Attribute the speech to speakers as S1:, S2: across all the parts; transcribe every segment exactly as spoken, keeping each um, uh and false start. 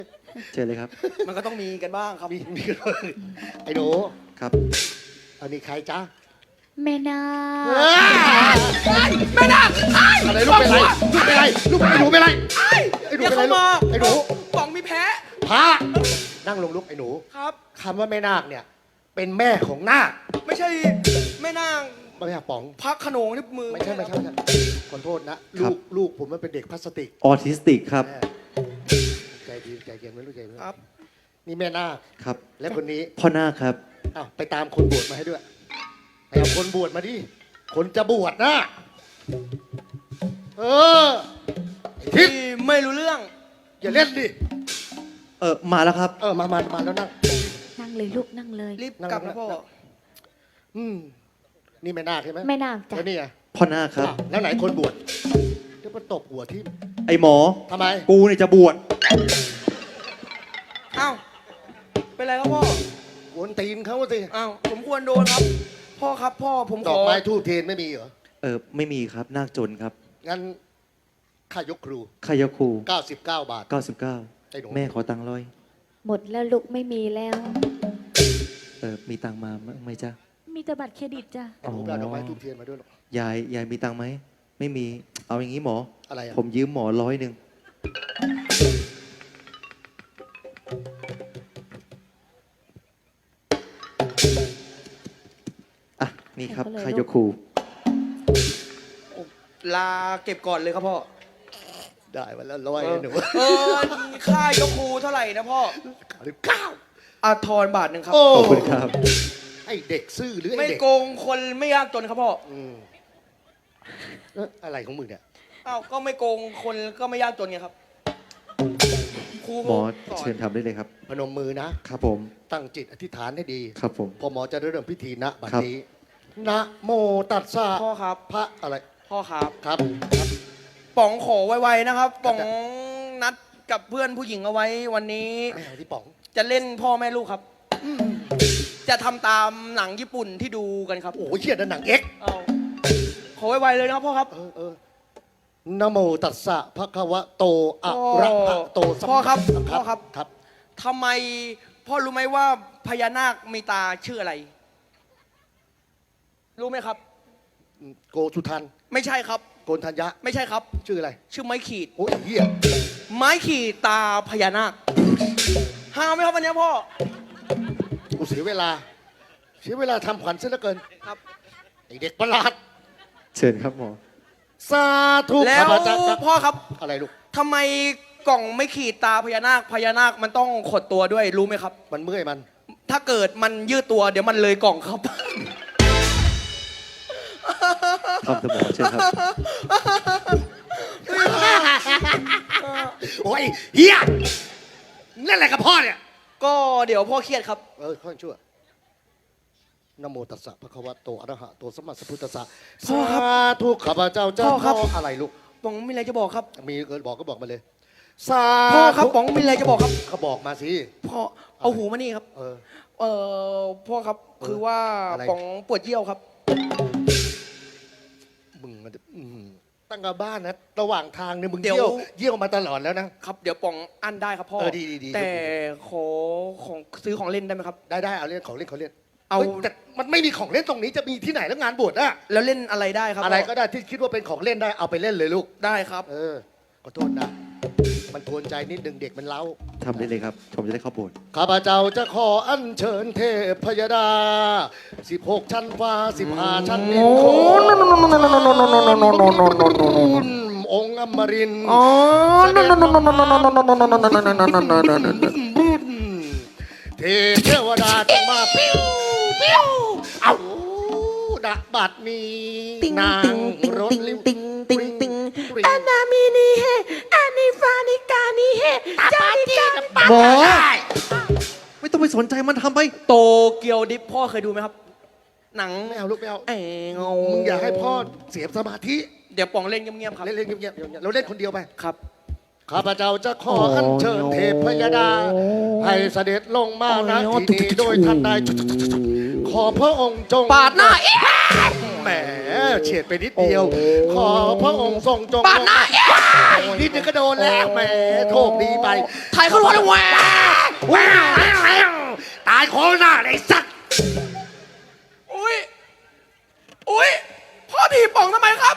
S1: เชิญเลยครับ
S2: มันก็ต้องมีกันบ้างครับ
S3: มีมีกันบ้างไอ้หนู
S1: ครับ
S3: อันนี้ใครจ๊ะ
S4: แม่นา
S2: ไม่ได้
S3: อะไรลูกเป็นไรลูกเป็นไรลูกไอ้หนูเป็นไรไอ้หนู
S2: อย่า
S3: เป็นไร
S2: เข้า
S3: ลูก
S2: มา
S3: ไอ้หนู
S2: ป๋องมีแพ้
S3: พระนั่งลงลูกไอ้หนู
S2: ครับ
S3: คำว่าแม่นาคเนี่ยเป็นแม่ของนาค
S2: ไม่ใช่แม่นาง
S3: ไม่ใช่ป๋อง
S2: พักขนงที่มือ
S3: ไม่ใช่ไม่ใช่ไม่ใช่ขอโทษนะลูกลูกผมมันเป็นเด็กพลาสติก
S1: ออทิสติกครับ
S3: แม่ใจดีใจเย็นไว้ลูกใจเย็น
S2: ครับ
S3: นี่แม่นาค
S1: ครับ
S3: และคนนี้
S1: พ่อนาคครับ
S3: อ้าวไปตามคนบวชมาให้ด้วยไปเอาคนบวชมาดิคนจะบวชนะเออไอ้ทิ
S2: ที่
S3: ศ
S2: ไม่รู้เรื่อง
S3: อย่าเล่นดิ
S1: เออมาแล้วครับ
S3: เออมามามาแล้วนั่ง
S4: นั่งเลยลูกนั่งเลย
S2: รีบ
S3: นั่ง
S2: กลับนะพ่อ
S3: นั่ง อืมนี่แม่นาคใช่ไหม
S4: แม่นาคจ้ะ
S3: แล้วนี่ไง
S1: พ่อนาคครับ
S3: อ้าวแล้วไหนคนบวชเดี๋ยวมาตบหัวที่
S1: ไอหมอ
S3: ทำไม
S1: กูเนี่ยจะบวช
S2: อ้าวเป็นไรครับพ่อ
S3: กวนตีนเขาสิ
S2: อ้าวผมควรโดนครับ พ่อครับพ่อผม
S3: ด
S2: ข
S3: อ
S2: อก
S3: ไม้ทูบเทียนไม่มีเหรอ
S1: เออไม่มีครับนาคจนครับ
S3: งั้นค่ายกครู
S1: ขายาคู
S3: เก้าสิบเก้าบาท
S1: เก้าสิบเก้า
S3: ไอ้หนู
S1: แม่ขอตังค์ร้อย
S4: หมดแล้วลูกไม่มีแล้ว
S1: เออมีตังค์มาไหมจ๊ะ
S4: มีแต่บัตรเครดิตจ้ะ
S3: ไอ้หนูเอาดอกไม้ทูบเทียนมาด้วยหรอก
S1: ยายยายมีตังค์ไหมไม่มีเอาอย่างนี้หมอ
S3: อะไรอ่ะ
S1: ผมยืมหมอร้อยหนึ่งอ่ะนี่ครับขายาคู
S2: ลาเก็บก่อนเลยครับพ่อ
S3: ได้มาแล้วร้อย
S2: เอ
S3: ไอ้
S2: อ
S3: หนู
S2: เออค่ายกครูเท่าไหร่นะพ่อ
S3: เก้า
S2: อาทรบาทหนึ่งครับ
S3: โอ้
S1: ขอบคุณครับ
S3: ไอ้เด็กซื่อหรือ
S2: ไม่
S3: ไอ้เด็ก
S2: โกงคนไม่ยากจนครับพ่อ
S3: อืมเอ๊ะอะไรของมึงเนี่ย
S2: อ้าวก็ไม่โกงคนก็ไม่ยากจนไงครับครู
S1: หมอ
S2: สอน
S1: เชิญทำได้เลยครับ
S3: พนมมือนะ
S1: ครับผม
S3: ตั้งจิตอธิษฐานให้ดี
S1: ครับผม
S3: พอหมอจะเริ่มพิธีนะบัด
S1: ครับ
S3: นี้นะโมตัสสะ
S2: พ่อครับ
S3: พระอะไร
S2: พ่อครับ
S3: ครับ
S2: ป๋องขอไวๆนะครับ ป๋อง
S3: ครับ
S2: นัดกับเพื่อนผู้หญิงเอาไว้วันนี้
S3: ไม่เอาที่ป๋อง
S2: จะเล่นพ่อแม่ลูกครับ จะทำตามหนังญี่ปุ่นที่ดูกันครับ
S3: โอ้โหเชี่ยนั่นหนังเอ็กซ์
S2: เอาขอไวๆเลยนะครับพ่อครับ
S3: เออเออนะโมตัสสะพระคะวะโตอะระหะโตสัม
S2: พ่อครับ
S3: สัม
S2: พ่อครับ
S3: ครับ
S2: ทำไมพ่อรู้ไหมว่าพญานาคมีตาชื่ออะไร รู้ไหมครับ
S3: โกสุทัน
S2: ไม่ใช่ครับ
S3: โกนธัญญะ
S2: ไม่ใช่ครับ
S3: ชื่ออะไร
S2: ชื่อไม้ขีด
S3: โอ้ยเหี้ย
S2: ไม้ขีดตาพญานาคหาไหมครับวันนี้พ่อ
S3: กูเสียเวลา เสียเวลาทำขวัญซะเหลือเกิน
S2: ครับ
S3: ไอเด็กประหลาด
S1: เชิญครับหมอ
S3: สาธุ
S2: แล้ว
S3: ข้าพเจ้าครับ
S2: พ่อครับ
S3: อะไรลูก
S2: ทำไมกล่องไม่ขีดตาพญานาคพญานาคมันต้องขดตัวด้วยรู้ไหมครับ
S3: มันเมื่อยมัน
S2: ถ้าเกิดมันยืดตัวเดี๋ยวมันเลยกล่องครับ
S1: ทำสมอเชิญครับ
S3: โอ้ยเฮียนั่นแหละกับพ่อเนี่ย
S2: ก็เดี๋ยวพ่อเครียดครับ
S3: เออข้อชั่วนะโมตัสสะพระคะวะโตอะระหะโตสัมมาสัมพุทธัสสะ
S2: พ่อครับ
S3: สาธุข้าพเจ้าจะ
S2: พ่อครับ
S3: ขออะไรลูก
S2: ป๋องมีอะไรจะบอกครับ
S3: มีเกิดบอกก็บอกมาเลยสา
S2: พ่อครับ
S3: ธุ
S2: ป๋องมีอะไรจะบอกครับ
S3: เขาบอกมาสิ
S2: พ่อเอาหูมานี่ครับ
S3: เออ
S2: เออพ่อครับ
S3: เออ
S2: คือว่า
S3: อะไร
S2: ป๋องปวดเยี่ยวครับ
S3: มึงมันอืมตั้งกับบ้านนะระหว่างทางเนี่ยมึง
S2: เดี๋ยว
S3: เยี่ยวเยี่ยวมาตลอดแล้วนะครับ
S2: เดี๋ยวป๋องอั้นได้ครับพ่อ
S3: เออดีดีดี
S2: แต่ขอของซื้อของเล่นได้ไหมครับ
S3: ได้ได้เอาเล่นของเล่นของเล่น
S2: เอา
S3: ฮ้ยแต่มันไม่มีของเล่นตรงนี้จะมีที่ไหนแล้วงานบวชอะ
S2: แล้วเล่นอะไรได้ครับ
S3: อะไร
S2: พ่
S3: ก็ได้ที่คิดว่าเป็นของเล่นได้เอาไปเล่นเลยลูก
S2: ได้ครับ
S3: เออขอโทษนะ มันกวนใจนิดนึงเด็กมันเล้า
S1: ทำได้เลยครับ ผมจะได้เข้าโบสถ์
S3: ข้าพเจ้าจะขออัญเชิญเทพพยดาสิบหกชั้นฟ้าสิบห้าชั้นดินโคนองค์อมรินทร์เทพเทวดาจงมาปิ้วปิ้วเอาดะบัดนี้นางรถลิ้ว
S4: ติงติงติงอานามินีเฮอานิฟานิกานิเฮจานิกา
S1: หมอไม่ต้องไปสนใจมันทำไป
S2: โตเกียวดิฟพ่อเคยดูไหมครับ หนัง
S3: ไม่เอาลูกไม่เอา
S2: เอ๋เงา
S3: มึงอย่าให้พ่อเสียสมาธิ
S2: เดี๋ยวป๋องเล่นเงียบๆครับ
S3: เล่นเล่นเงียบๆเราเล่นคนเดียวไป
S2: ครับ
S3: ข้าพเจ้าจะขออัญเชิญเทพยดา ให้เสด็จลงมาณที่นี้โดยท่านใดขอพระองค์จง
S2: ปาดหน้าอีก
S3: แหมเฉียดไปนิดเดียว ขอพระองค์ทรงจง
S2: ปาดหน้าเอ๊ะ
S3: นิดนึงก็โดนแล้วแหมโชคดีไป
S2: ไทยเขารู้แล้วแหว
S3: ว้าวว้าวตายโคหน้าเลยสัตว์
S2: อุ้ยอุ้ยพ่อถีบป๋องทำไมครับ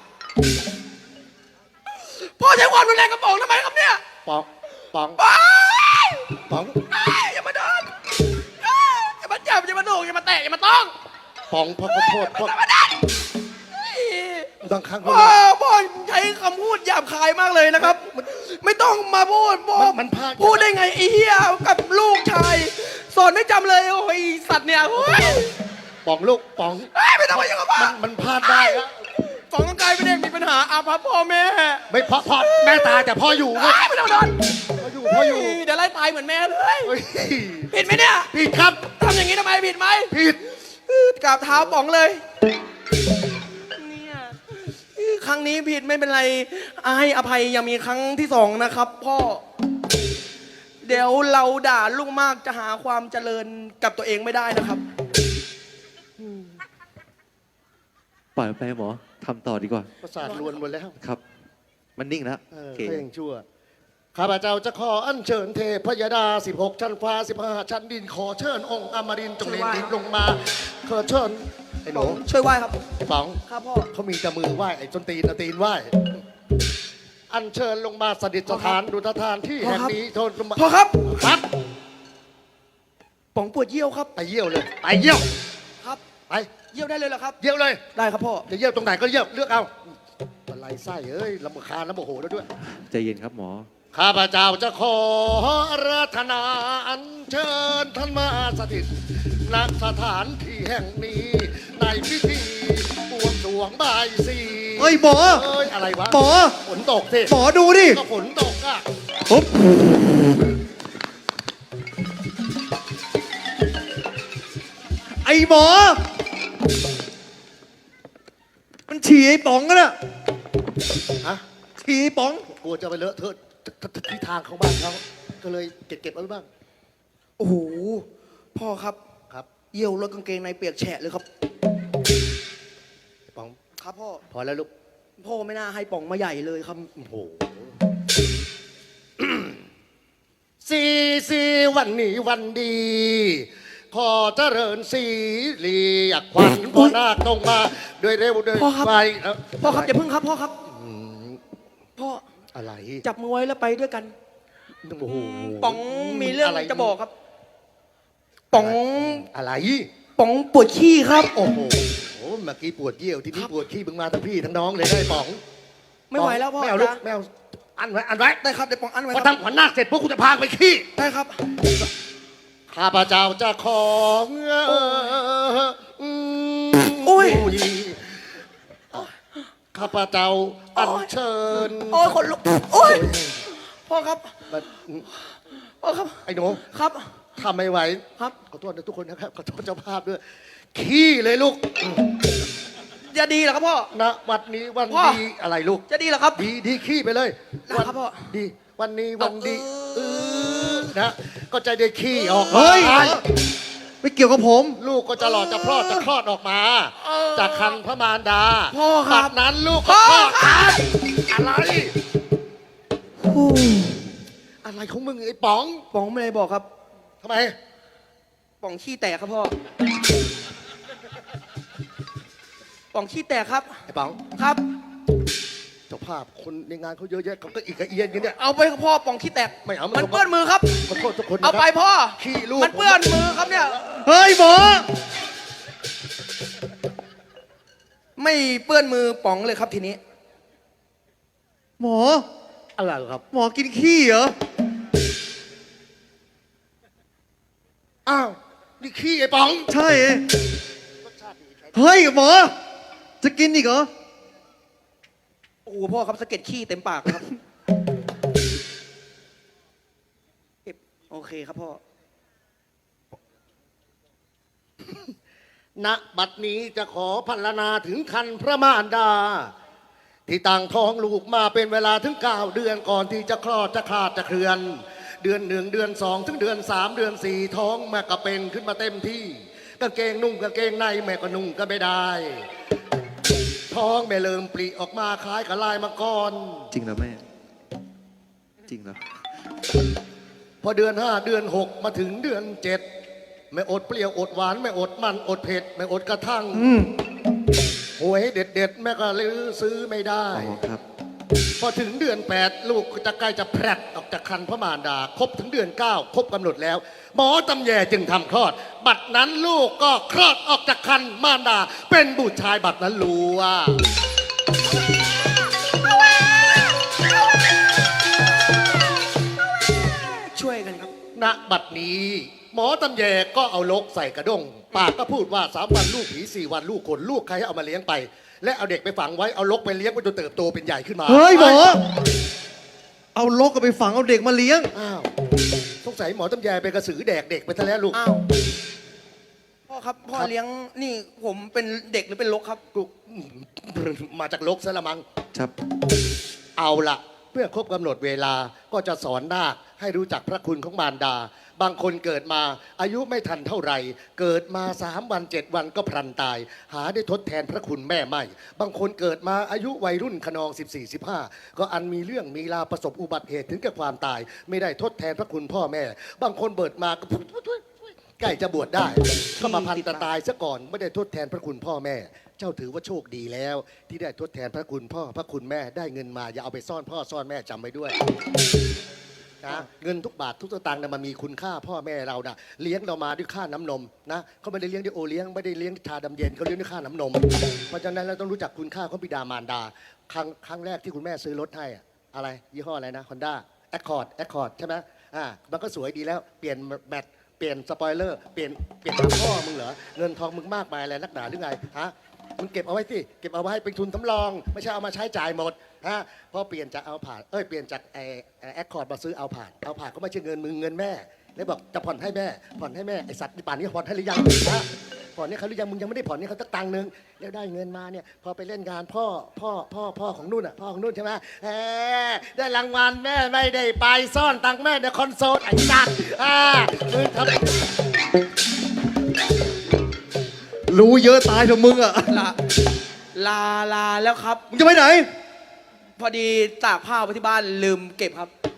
S2: พ่อใช้ความรุนแรงกับป๋องทำไมครับเนี่ย
S3: ป๋องป๋อง
S2: ป๋อง
S3: ป๋อง
S2: เอ้ยอย่ามาเดินเอ้ยอย่ามาจับอย่ามาโหนกอย่ามาแตะอย่ามาต้อง
S3: ป๋องพ่อขอโทษพ่อ
S2: อย่ามาดันเฮ้ย
S3: บางครั้ง
S2: พ่อพ่อใช้คำพูดหยาบคายมากเลยนะครับ ไม่ต้องมาพูดพ่อ
S3: มันพลาด
S2: พูดได้ไงไอ้เหี้ยกับลูกชายสอนไม่จำเลยโอ้ยสัตว์เนี่ยโอ้ย
S3: ป๋องลูกป๋อง
S2: เอ้ยไม่ต้องมายุ่งกับพ่อ
S3: มันมันพลาดได้อะ
S2: ป๋องต้องกลายเป็นเด็กมีปัญหาอาภัพพ่อแม่
S3: ไม่พ่อพ่อแม่ตายแต่พ่ออยู่
S2: เอ้ยไม่ต้องมาโดน
S3: พ่ออยู่พ่ออยู่
S2: เดี๋ยวไล่ตายเหมือนแม่เลย
S3: เฮ้ย
S2: ผิดไหมเนี่ย
S3: ผิดครับ
S2: ทำอย่างนี้ทำไมผิดไหม
S3: ผิด
S2: กราบเท้าป๋องเลยเนี่ยครั้งนี้ผิดไม่เป็นไรให้อภัยยังมีครั้งที่สองนะครับ พ่อ เดี๋ยวเราด่าลูกมากจะหาความเจริญกับตัวเองไม่ได้นะครับ
S1: ปล่อยมันไปหมอทำต่อดีกว่า
S3: ประสาทลวนหมดแล้ว
S1: ครับ มันนิ่งแล้ว
S3: เออ
S1: โอเค
S3: ก็ยังชั่ว ข้าพเจ้าจะขออัญเชิญเทพยดา สิบหก ชั้นฟ้า สิบห้า ชั้นดิน ขอเชิญองค์อมรินทร์จงเล็งดินลงมา ขอเชิญไอ้หนู
S2: ช่วยไหว้ครับ
S3: ไอ้ป๋อง
S2: ครับพ่อ
S3: เขามีแต่มือไหว้ไอ้จนตีนเอาตีนไหว้ อัญเชิญลงมาสถิตสถานดุจทานที่แห่งนี้โทษลงมา
S2: พ่อครับ
S3: ครับ
S2: ป๋องปวดเยี่ยวครับ
S3: ไปเยี่ยวเลย ไปเยี่ยว
S2: ครับ
S3: ไป
S2: เยี่ยวได้เลยเหรอครับ
S3: เยี่ยวเลย
S2: ได้ครับพ่อ
S3: จะเยี่ยวตรงไหนก็เยี่ยวเลือกเอาอะไรไส้เอ้ยลำคาญแล้วโมโหแล้วด้วย
S1: ใจเย็นครับหมอ
S3: ข้าพเจ้าจะขออาราธนาอัญเชิญท่านมาสถิตณสถานที่แห่งนี้ ในพิธีบวงสรวงบายสี
S1: เฮ้ยหมอ
S3: เอ้ยอะไรวะ
S1: หมอ
S3: ฝนตกสิ
S1: หมอดูดิ
S3: ก็ฝนตกอ่ะ
S1: ปุ๊บไอ้หมอ มันฉี่ไอ้ป๋องกันอะ
S3: ฮะ
S1: ฉี่ไอ้ป๋อง
S3: กลัวจะไปเลอะเทอะที่ทางของบ้านเขาก็เลยเก็บเก็บๆเอาไว้บ้าง
S2: โอ้โห พ่อครับ
S3: ครับ
S2: เยี่ยวรถกางเกงในเปียกแฉะเลยครับ
S3: ป๋อง
S2: ครับพ่อ
S3: พอแล้วลูก
S2: พ่อไม่น่าให้ป๋องมาใหญ่เลยครับ
S3: โอ้โห สีสีวันนี้วันดี ขอเจริญสีรีอยากขวัญพ่อนาคตรงมาด้วยเร็วด้วย
S2: พ่อครับ
S3: ไวเอ้า
S2: พ่อครับอย่าพึ่งครับพ่อครับ
S3: อืม
S2: พ่อ
S3: อะไร
S2: จับมือไว้แล้วไปด้วยกัน
S3: โอ้โห
S2: ป๋องมีเรื่อง
S3: ไร
S2: จะบอกครับ ป๋อง
S3: อะไร
S2: ป๋องปวดขี้ครับ
S3: โอ้โหเมื่อกี้ปวดเยี่ยวทีนี้ปวดขี้มึงมาทั้งพี่ทั้งน้องเลยได้ป๋อง
S2: ไม่ไหวแล้วพ่อ
S3: ไม่เอาลูก
S2: จ๊ะ
S3: ไม่เอาอันไว้อันไว้
S2: ได้ครับเดี๋ยวป๋องอันไว้
S3: พอ
S2: ครับ
S3: ทำขวัญนาคเสร็จพวกกูจะพาไปขี้
S2: ได้ครับ
S3: ข้าพเจ้าจะขออืม
S2: โอ้ย
S3: ข้าพเจ้าอัญเชิญ
S2: โอ้ยคนลุกโอ้ยพ่อครับ
S3: มัน
S2: พ่อครับ
S3: ไอ้หนู
S2: ครับ
S3: ทำไม่ไหว
S2: ครับ
S3: ขอโทษนะทุกคนนะครับขอโทษเจ้าภาพด้วย ขี้เลยลูก
S2: จะดีเหรอครับพ่อ
S3: ณวันนี้วัน
S2: พ่อ
S3: ดีอะไรลูก
S2: จะดีเหรอครับ
S3: ดีดีขี้ไปเลย
S2: ได้ครับพ่อ
S3: ดี วันนี้วันดี
S2: เอาเออ
S3: เออนะก็จะได้ขี้ออกมา
S1: เฮ้ย ไม่เกี่ยวกับผม
S3: ลูกก็จะหลอดจะคลอดจะคลอดออกมา
S2: เออ
S3: จากคันพระมารดา
S2: พ่อครับ
S3: บัดนั้นลูก
S2: พ่
S3: ก็
S2: อ
S3: คลอด
S2: ครั
S3: กับ นอะไร อะไรของมึงไอ้ป๋อง
S2: ป๋องไม่ได้บอกครับ
S3: ทำไม
S2: ป๋องขี้แตกครับพ่อ ป๋องขี้แตกครับ
S3: ไอ้ป๋อง
S2: ครับ
S3: เจ้าภาพคนในงานเขาเยอะแยะเขาก็อีกกระเอียนกันเนี่ย
S2: เอาไปครับพ่อป๋องขี้แตก
S3: ไม่เอา
S2: มัน
S3: ไม่เอา
S2: เปื้อนมือครับ
S3: ขอโทษทุกคนนะ
S2: เอาไป
S3: ครับ
S2: พ่อ
S3: ขี้ลูก
S2: มันเปื้อนมือครับเนี่ย
S1: เฮ้ยหมอ
S2: ไม่เปื้อนมือป๋องเลยครับทีนี้
S1: หมอ
S3: อะไรครับ
S1: หมอกินขี้เหรอ
S3: อ้าวนี่ขี้ไอ้ป๋อง
S1: ใช่ เฮ้ยหมอ จะกินอีกเหรอ
S2: โอ้โหพ่อครับสะเก็ดขี้เต็มปากครับเก็บโอเคครับพ่อ
S3: ณบัดนี้จะขอพันนาถึงคันพระมารดา ที่ต่างท้องลูกมาเป็นเวลาถึงเก้าเดือนก่อนที่จะคลอดจะขาดจะเคลื่อน เดือนหนึ่งเดือนสองถึงเดือนสามเดือนสี่ท้องแม่ก็เป็นขึ้นมาเต็มที่กางเกงนุ่งกางเกงในแม่ก็นุ่งก็ไม่ได้ท้องแม่เริ่มปริออกมาคล้ายกับลายมังกร
S1: จริงเหรอแม่ จริงเหรอ
S3: พอเดือนห้าเดือนหกมาถึงเดือนเจ็ดไม่อดเปรี้ยวอดหวานไม่อดมันอดเผ็ดไม่อดกระทั่ง
S1: อืม
S3: หวยเด็ดเด็ดๆแม่ก็ลือซื้อไม่ได้
S1: อ๋อครับ
S3: พอถึงเดือนแปดลูกก็จะใกล้จะแพร่ออกจากคันพระมารดา ครบถึงเดือนเก้าครบกำหนดแล้ว หมอตำแยจึงทำคลอด บัดนั้นลูกก็คลอดออกจากคันมารดา เป็นบุตรชายบัดนั้นรู้ว่า
S2: ช่วยกันครับ
S3: ณบัดนี้ หมอตำแยก็เอาลกใส่กระด้งปากก็พูดว่าสามวันลูกผีสี่วันลูกคนลูกใครให้เอามาเลี้ยงไป และเอาเด็กไปฝังไว้เอาลกไปเลี้ยงไว้จนเติบโตเป็นใหญ่ขึ้นมา
S1: เฮ้ยหมอ เอาลกก็ไปฝังเอาเด็กมาเลี้ยง
S3: อ้าวสงสัยหมอตำแยเป็นกระสือแดกเด็กไปซะแล้วลูก
S2: อ้าวพ่อครับพ่อ
S3: ครับ
S2: เลี้ยงนี่ผมเป็นเด็กหรือเป็นลกครับ
S3: ลูกมาจากลกซะละมัง
S1: ครับ
S3: เอาละเพื่อครบกำหนดเวลาก็จะสอนนาคให้รู้จักพระคุณของมารดา บางคนเกิดมาอายุไม่ทันเท่าไหร่เกิดมาสามวันเจ็ดวันก็พลันตาย หาได้ทดแทนพระคุณแม่ไม่ บางคนเกิดมาอายุวัยรุ่นขนอง สิบสี่ สิบห้า ก็อันมีเรื่องมีราวประสบอุบัติเหตุถึงกับความตาย ไม่ได้ทดแทนพระคุณพ่อแม่ บางคนเบิดมาก็ใกล้จะบวชได้ก็มาพันตะตายซะก่อนไม่ได้ทดแทนพระคุณพ่อแม่ เจ้าถือว่าโชคดีแล้ว ที่ได้ทดแทนพระคุณพ่อพระคุณแม่ได้เงินมาอย่าเอาไปซ่อนพ่อซ่อนแม่จำไว้ด้วยนะเงินทุกบาททุกสตางค์เนี่ยมันมีคุณค่าพ่อแม่เรานะเลี้ยงเรามาด้วยค่าน้ำนมนะเขาไม่ได้เลี้ยงด้วยโอเลี้ยงไม่ได้เลี้ยงชาดำเย็นเขาเลี้ยงด้วยค่าน้ำนม เพราะฉะนั้นเราต้องรู้จักคุณค่าของบิดามารดา ครั้งครั้งแรกที่คุณแม่ซื้อรถให้อะอะไรยี่ห้ออะไรนะฮอนด้าแอคคอร์ดแอคคอร์ดใช่ไหมอ่ามันก็สวยดีแล้วเปลี่ยนแบตเปลี่ยนสปอยเลอร์เปลี่ยนเปลี่ยนทางพ่อมึงเหรอเงินทองมึงมากมายอะไรนักหนาหรือไงฮะมึงเก็บเอาไว้สิเก็บเอาไว้เป็นทุนสำรองไม่ใช่เอามาใช้จ่ายหมดฮะพอเปลี่ยนจากเอาผ่านเอ้ยเปลี่ยนจากไอแอคคอร์ดมาซื้อเอาผ่านเอาผ่านก็ไม่ใช่เงินมึงเงินแม่แล้วบอกจะผ่อนให้แม่ผ่อนให้แม่ไอสัตว์ป่านนี้ผ่อนให้หรือยังฮะผ่อนนี่เขาหรือยังมึงยังไม่ได้ผ่อนนี่เขาตักตังค์นึงแล้วได้เงินมาเนี่ยพอไปเล่นงานพ่อพ่อพ่อพ่อของนุ่นอ่ะพ่อของนุ่นใช่ไหมแหมได้รางวัลแม่ไม่ได้ไปซ่อนตังค์แม่ในคอนโซลไอ้สัตว์อ่ามึงทำ
S1: รู้เยอะตายเถอะมึงอ่ะ
S2: ลาลาลาแล้วครับ
S1: มึงจะไปไหน
S2: พอดีตากผ้าไว้ที่บ้านลืมเก็บครับ